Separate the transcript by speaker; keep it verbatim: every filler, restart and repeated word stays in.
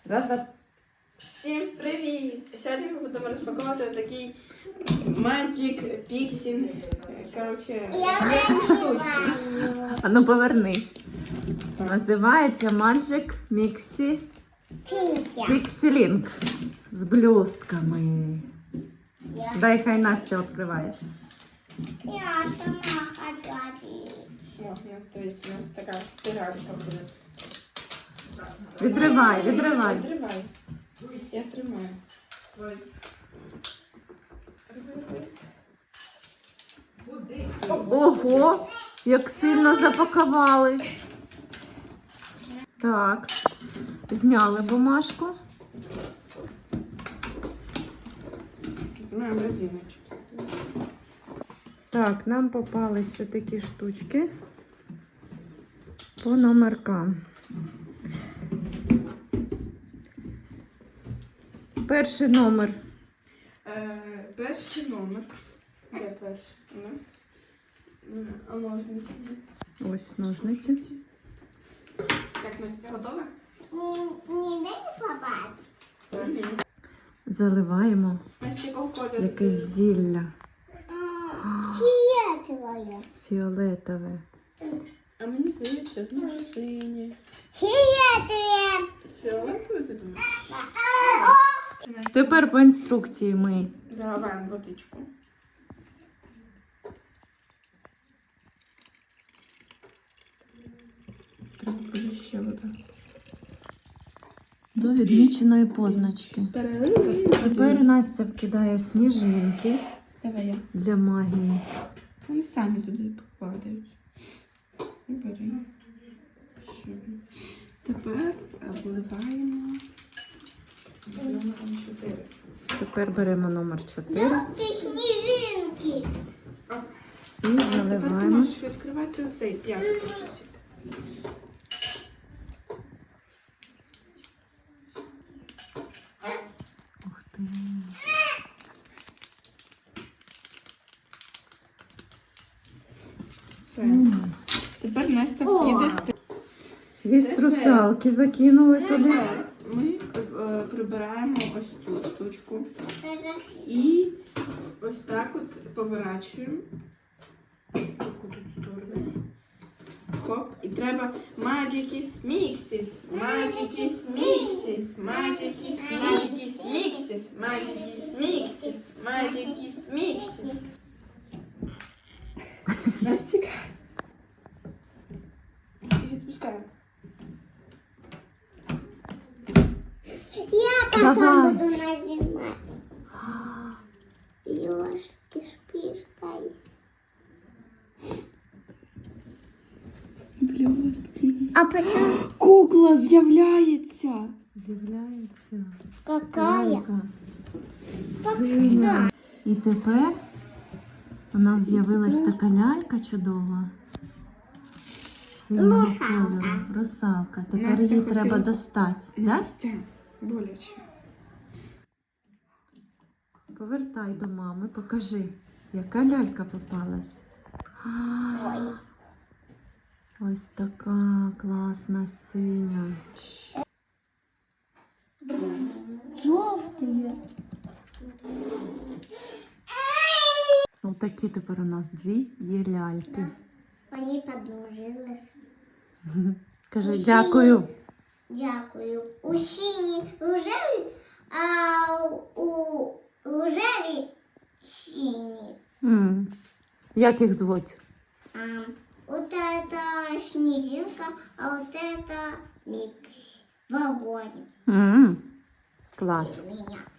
Speaker 1: Раз, раз.
Speaker 2: Всім привіт! Сьогодні ми будемо розпаковувати такий Magic Pixie. Коротше, штучку.
Speaker 1: А ну поверни. Називається Magic Mixie Pixie Link з блістками. Дай хай Настя відкриває.
Speaker 3: Я сама хочу.
Speaker 2: О, у нас, то есть, у нас така спіралька буде.
Speaker 1: Відривай, відривай.
Speaker 2: Відривай. Я тримаю.
Speaker 1: Ого, як сильно запакували. Так, зняли бумажку.
Speaker 2: Знімаємо резиночку.
Speaker 1: Так, нам попались ось такі штучки по номеркам. Перший номер.
Speaker 2: Е, перший номер. Де перший у нас? Е, А ножниці?
Speaker 1: Ось ножниці.
Speaker 2: Так, Настя, готова?
Speaker 3: Не дай побачити.
Speaker 1: Заливаємо
Speaker 2: Настя, якого кольору?
Speaker 1: якесь зілля
Speaker 3: Фіолетове.
Speaker 1: фіолетове.
Speaker 2: А мені здається, ну, синє.
Speaker 3: Фіолетове.
Speaker 2: Фіолетове, ти думаєш?
Speaker 1: Тепер по інструкції ми
Speaker 2: Заливаємо водичку. Треба буде ще вода.
Speaker 1: до відміченої позначки.
Speaker 2: Перелив.
Speaker 1: Тепер Настя вкидає сніжинки
Speaker 2: Давай я.
Speaker 1: для магії.
Speaker 2: Вони самі туди попадають. І бери. Ще. Тепер вливаємо. Номером чотири.
Speaker 1: Тепер беремо номер чотири
Speaker 3: Ти сніжинки.
Speaker 1: і
Speaker 2: Тепер ти
Speaker 1: заливаємо.
Speaker 2: можеш відкривати оцей п'ятий пакетик.
Speaker 1: Ух ти.
Speaker 2: Все.
Speaker 1: Синя.
Speaker 2: Тепер Настя вкиде.
Speaker 1: Хвіст русалки закинули туди.
Speaker 2: Тепер ми е, прибираємо ось цю штучку. І ось так от поворачуємо. Таку тут сторону. Хоп. І треба Magic's Mixes, Magic's Mixes, Magic's Magic's Mixes, Magic's Mixes, Magic's Mixes. Настя. І відпускаємо.
Speaker 3: Я потом
Speaker 1: Давай.
Speaker 3: буду нажимать. Ёшки с пышкой.
Speaker 2: Блістки.
Speaker 3: А почему?
Speaker 2: Кукла з'являється.
Speaker 1: З'являється
Speaker 3: Какая?
Speaker 1: лялька синя. І тепер у нас з'явилась така лялька чудова. Синього
Speaker 3: Русалка.
Speaker 1: кольору. Русалка. Тепер
Speaker 2: Настя
Speaker 1: її
Speaker 2: хотіла-
Speaker 1: треба достати. Да?
Speaker 2: Настя. Боляче.
Speaker 1: Повертай до мами, покажи, яка лялька попалась.
Speaker 3: Ой.
Speaker 1: Ось така класна синя.
Speaker 3: Жовтые.
Speaker 1: Ось такі тепер у нас дві є ляльки.
Speaker 3: Они подружились.
Speaker 1: Кажи
Speaker 3: Усі.
Speaker 1: дякую.
Speaker 3: Дякую. У синій рожеві, а у рожеві сині.
Speaker 1: М. Як їх звуть?
Speaker 3: А, вот это снежинка, а вот это микс. Вагоник.
Speaker 1: М. Клас.
Speaker 3: Без меня.